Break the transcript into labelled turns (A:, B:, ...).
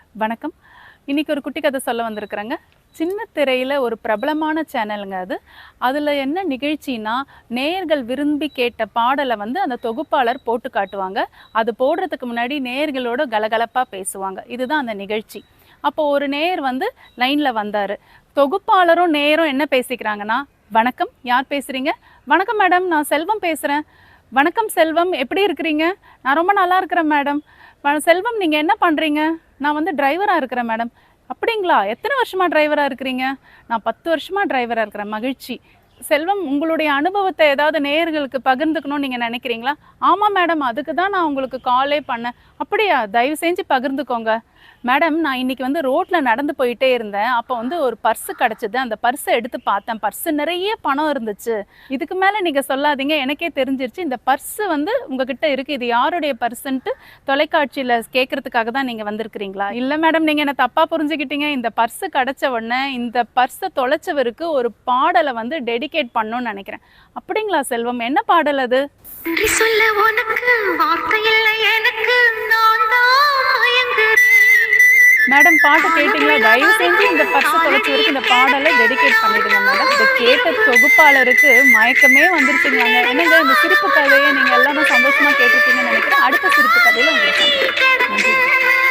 A: வணக்கம். இன்னைக்கு ஒரு குட்டி கதை சொல்ல வந்திருக்கிறேங்க. சின்ன திரையில ஒரு பிரபலமான சேனலுங்க அது. அதில என்ன நிகழ்ச்சின்னா, நேயர்கள் விரும்பி கேட்ட பாடல வந்து அந்த தொகுப்பாளர் போட்டு காட்டுவாங்க. அது போடுறதுக்கு முன்னாடி நேயர்களோட கலகலப்பா பேசுவாங்க. இதுதான் அந்த நிகழ்ச்சி. அப்போ ஒரு நேயர் வந்து லைன்ல வந்தாரு. தொகுப்பாளரும் நேயரும் என்ன பேசிக்கிறாங்கன்னா, "வணக்கம், யார் பேசுறீங்க?" "வணக்கம் மேடம், நான் செல்வம் பேசுறேன்." "வணக்கம் செல்வம், எப்படி இருக்கிறீங்க?" "நான் ரொம்ப நல்லா இருக்கிறேன் மேடம்." "செல்வம், நீங்க என்ன பண்றீங்க?" "நான் வந்து டிரைவரா இருக்கிறேன் மேடம்." "அப்படிங்களா? எத்தனை வருஷமா டிரைவரா இருக்கிறீங்க?" "நான் 10 வருஷமா டிரைவரா இருக்கிறேன்." "மகிழ்ச்சி." "செல்வம், உங்களுடைய அனுபவத்த ஏதாவது நேயர்களுக்கு பகிர்ந்துக்கணும்னு நீங்க நினைக்கிறீங்களா?" "ஆமா மேடம், அதுக்கு தான் நான் உங்களுக்கு காலே பண்ணேன்." "அப்படியா? தயவு செஞ்சு பகிர்ந்துக்கோங்க." "மேடம், நான் இன்னைக்கு வந்து ரோட்ல நடந்து போயிட்டே இருந்தேன். அப்போ வந்து ஒரு பர்ஸு கிடைச்சது. அந்த பர்ஸ எடுத்து பார்த்தேன். பர்ஸு நிறைய பணம் இருந்துச்சு. இதுக்கு மேல நீங்க சொல்லாதீங்க. எனக்கே தெரிஞ்சிருச்சு. இந்த பர்ஸு வந்து உங்ககிட்ட இருக்கு. இது யாருடைய பர்ஸுன்ட்டு தொலைக்காட்சியில கேட்கறதுக்காக தான் நீங்க வந்திருக்கிறீங்களா?" "இல்ல மேடம், நீங்க என்ன தப்பா புரிஞ்சுக்கிட்டீங்க. இந்த பர்ஸு கிடைச்ச உடனே இந்த பர்ஸ தொலைச்சவருக்கு ஒரு பாடல வந்து டெடிகேட் பண்ணணும்னு நினைக்கிறேன்." "அப்படிங்களா செல்வம்? என்ன பாடல் அது?"
B: நன்றி சொல்ல உனக்கு வார்த்தை இல்லை எனக்கு, நான் தான் மயங்குறேன்.
A: மேடம், பாட்டு கேட்டிங்களா? தயவு செஞ்சு இந்த பர்ஸ தொலைச்சவருக்கு இந்த பாடலை டெடிகேட் பண்ணிடுங்க மேடம். இதை கேட்ட தொகுப்பாளருக்கு மயக்கமே வந்துருச்சுங்களாங்க. என்னங்க, இந்த சிரிப்பு கதையை நீங்க எல்லாரும் சந்தோஷமா கேட்டிருப்பீங்கன்னு நினைக்கிறேன். அடுத்த சிரிப்பு கதையில உங்களை சந்திக்கிறேன். நன்றி.